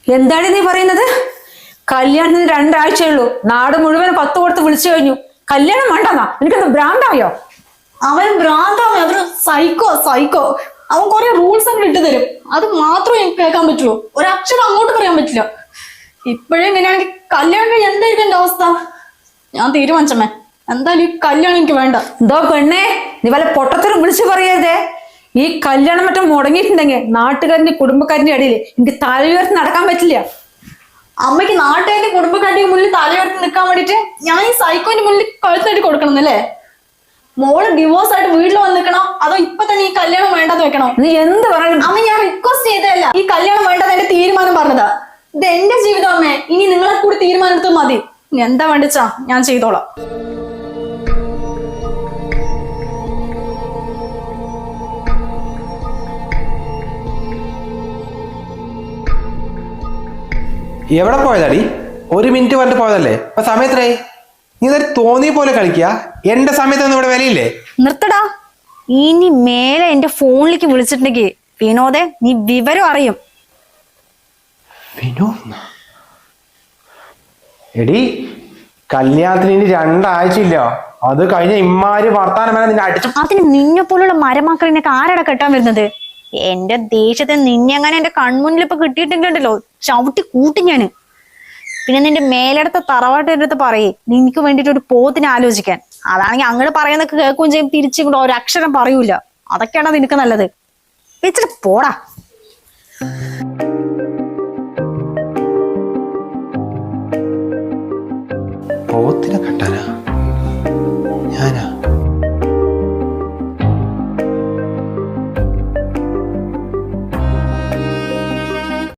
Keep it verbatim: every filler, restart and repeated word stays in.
എന്താണ് നീ പറയുന്നത്? കല്യാണത്തിന് രണ്ടാഴ്ചയേ ഉള്ളൂ, നാട് മുഴുവൻ പത്ത് കൊടുത്ത് വിളിച്ചു കഴിഞ്ഞു. കല്യാണം വേണ്ടെന്നാ? എനിക്കൊന്ന് ഭ്രാന്തായോ? അവൻ ഭ്രാന്താവേ, അവര് സൈക്കോ സൈക്കോ. അവൻ കുറെ റൂൾസ് ഒക്കെ ഇട്ട് തരും, അത് മാത്രമേ എനിക്ക് കേൾക്കാൻ പറ്റുള്ളൂ. ഒരക്ഷരം അങ്ങോട്ട് പറയാൻ പറ്റില്ല. ഇപ്പോഴേ ഇങ്ങനെയാണെങ്കിൽ കല്യാണം എന്തായിരിക്കും എന്റെ അവസ്ഥ? ഞാൻ തീരുമാനിച്ചമ്മേ, എന്തായാലും ഈ കല്യാണം എനിക്ക് വേണ്ട. എന്തോ പെണ്ണേ, നീ വല്ല പൊട്ടത്തരം വിളിച്ചു പറയരുതേ. ഈ കല്യാണം മറ്റും മുടങ്ങിയിട്ടുണ്ടെങ്കിൽ നാട്ടുകാരന്റെ കുടുംബക്കാരന്റെ ഇടയിൽ എനിക്ക് തല ഉയർത്തി നടക്കാൻ പറ്റില്ല. അമ്മയ്ക്ക് നാട്ടുകാരുടെ കുടുംബക്കാരുടെ മുന്നിൽ തലയുയർത്തി നിൽക്കാൻ വേണ്ടിട്ട് ഞാൻ ഈ സൈക്കോന്റെ മുന്നിൽ കഴുത്തായിട്ട് കൊടുക്കണം എന്നല്ലേ? മോള് ഡിവോഴ്സ് ആയിട്ട് വീട്ടിൽ വന്ന് നിൽക്കണോ, അതോ ഇപ്പൊ തന്നെ ഈ കല്യാണം വേണ്ടെന്ന് വെക്കണോ? നീ എന്ത് പറയും? അമ്മ, ഞാൻ റിക്വസ്റ്റ് ചെയ്തതല്ല, ഈ കല്യാണം വേണ്ടെന്ന് എന്റെ തീരുമാനം പറഞ്ഞതാ. ഇത് എന്റെ ജീവിതം അമ്മേ, ഇനി നിങ്ങളെ കൂടി തീരുമാനം എടുത്താൽ മതി. ഇനി എന്താ വേണ്ടിച്ചാ ഞാൻ ചെയ്തോളാം. എവിടെ പോയതാടി? ഒരു മിനിറ്റ് പറഞ്ഞിട്ട് പോയതല്ലേ? അപ്പൊ സമയത്രേ? നീ ഇതൊരു തോന്നിയ പോലെ കളിക്കുക. എന്റെ സമയത്തൊന്നും ഇവിടെ വിലയില്ലേ? നിർത്തടാ. ഇനി മേലെ എന്റെ ഫോണിലേക്ക് വിളിച്ചിട്ടുണ്ടെങ്കിൽ വിനോദേ, നീ വിവരം അറിയും. വിനോദ്? എടി, കല്യാണത്തിന് ഇനി രണ്ടാഴ്ചയില്ല, അത് കഴിഞ്ഞ ഇമ്മാര് വർത്താനം വരെ നിന്നെ അടിച്ചു. അതിന് നിന്നെ പോലുള്ള മരമാക്കളിനൊക്കെ ആരാടാ കെട്ടാൻ വരുന്നത്? എന്റെ ദേഷ്യത്തെ നിന്നെ അങ്ങനെ എന്റെ കൺമുന്നിൽ ഇപ്പൊ കിട്ടിയിട്ടുണ്ടല്ലോ, ചവിട്ടി കൂട്ടി ഞാന്. പിന്നെ നിന്റെ മേലെടുത്ത തറവാട്ടിന്റെ അടുത്ത് പറയേ നിനക്ക് വേണ്ടിട്ട് ഒരു പോത്തിനെ ആലോചിക്കാൻ. അതാണെങ്കിൽ അങ്ങോട്ട് പറയുന്നൊക്കെ കേൾക്കുകയും ചെയ്യും, തിരിച്ചും ഒരു അക്ഷരം പറയൂല. അതൊക്കെയാണോ നിനക്ക് നല്ലത്? വെച്ചിട്ട് പോടാ. പോത്തിനെ കെട്ടാനാ?